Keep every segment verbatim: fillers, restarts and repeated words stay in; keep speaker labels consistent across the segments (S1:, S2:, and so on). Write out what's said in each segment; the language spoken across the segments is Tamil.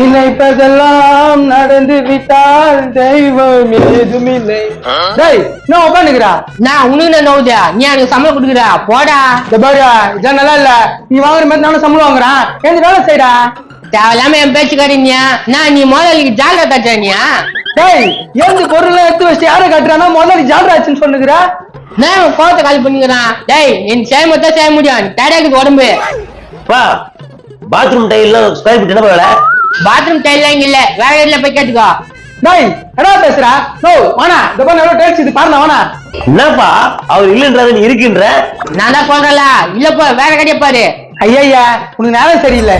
S1: நினைப்பதெல்லாம் நடந்து விட்டால் தெய்வம் ஏதும் இல்லை. டேய் நான் உட்காந்துக்கிறா
S2: நான் உனக்கு நான் நோவுதா நீ எனக்கு சம்பளம் கொடுக்குறா போடா.
S1: பாரு இதான் நல்லா இல்ல. நீ வாங்குற மாதிரி நானும் சம்பளம் வாங்குறான். எந்த வேலை செய்யறா
S2: தேவையில்லாம என் பேச்சுக்காரீங்க நான் நீ முதலுக்கு ஜாலியா காட்டுறானியா?
S1: டேய் ஏந்து பொருள் எடுத்து வச்சு யாரை காட்டுறானா முதல்ல ஜாலராச்சுன்னு சொன்னுக்குறா.
S2: நான் கோவத்தை காலி பண்ணிக்கிறான். டேய் என் செய்ய மட்டும் செய்ய முடியும் டேடாக்குது உடம்பு.
S3: பாத்ரூம் டைல் ஸ்கொயர் ஃபீட் என்ன வேலை?
S2: பாத்ரூம் டைல் இங்க இல்ல வேற இடத்துல போய் கேட்டுக்கோ.
S1: டேய் என்ன பேசுறா? நோ வானா இந்த பண்ண எவ்வளவு டைல்ஸ் இது பாருங்க வானா.
S3: என்னப்பா அவர் இல்லன்றது நீ இருக்கின்ற?
S2: நான் தான் சொல்றல இல்ல போ வேற கடையை பாரு.
S1: ஐயா உனக்கு நேரம் சரியில்லை.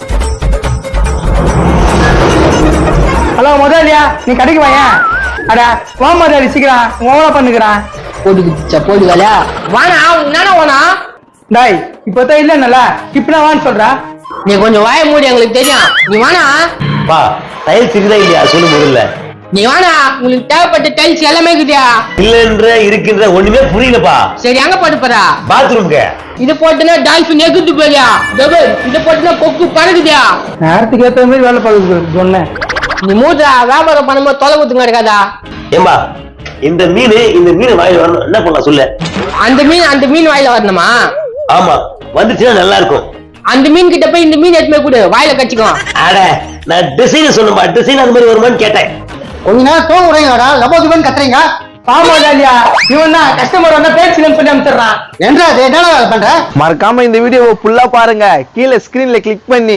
S1: ஹலோ முதலியா நீ கடைக்கு வாயா. அட வா முதலி சீக்கிரம் ஓவரா பண்ணுகிறான்.
S2: போட்டுக்கிச்சா போடுகல வானா நானா வானா.
S1: டேய் இப்பதான் இல்லன்னல இப்ப வான்னு சொல்றா.
S2: நீ கொஞ்சம் வாய மூடி எங்களுக்கு தெரியும். நீ வானா
S3: பா டைல்ஸ் இருக்குதா இல்லையா சொல்லு முதல்ல.
S2: நீ வானா உங்களுக்கு தேவைப்பட்ட டைல்ஸ் எல்லாமே இருக்குதா?
S3: இல்லன்ற இருக்கின்ற ஒண்ணுமே புரியலப்பா.
S2: சரி அங்க போட்டு போறா
S3: பாத்ரூம்க்கு.
S2: இது போட்டுனா டால்பின் எகுத்து போறியா? டபுள் இது போட்டுனா கொக்கு பறக்குதியா?
S1: நேரத்துக்கு ஏத்த மாதிரி வேலை பார்க்க சொன்னேன்.
S2: நீ மூட்டா வியாபாரம் பண்ணும்போது தொலை குத்துங்க இருக்காதா?
S3: ஏம்பா இந்த மீன் இந்த மீன் வாயில வரணும் என்ன பண்ணலாம் சொல்லு.
S2: அந்த மீன் அந்த மீன் வாயில வரணுமா?
S3: ஆமா வந்துச்சுன்னா நல்லா இருக்கும்.
S2: அந்த மீன் கிட்ட போய் இந்த மீன் எடுத்துமே கூட வாயில கச்சிக்கோ.
S3: அட நான் டிசைன் சொன்னேன்பா டிசைன் அந்த மாதிரி வருமான்னு கேட்டேன்.
S1: கொஞ்ச நேரம் தோங்க விடுறீங்கடா லபோதுபன் கத்துறீங்க. ஆமா இல்லையா இவன் தான் கஸ்டமர் வந்தா பேச்சுலன்னு சொல்லி அனுப்பிச்சிடுறான். என்றா என்ன பண்ற?
S4: மறக்காம இந்த வீடியோவை ஃபுல்லா பாருங்க. கீழே ஸ்கிரீன்ல கிளிக் பண்ணி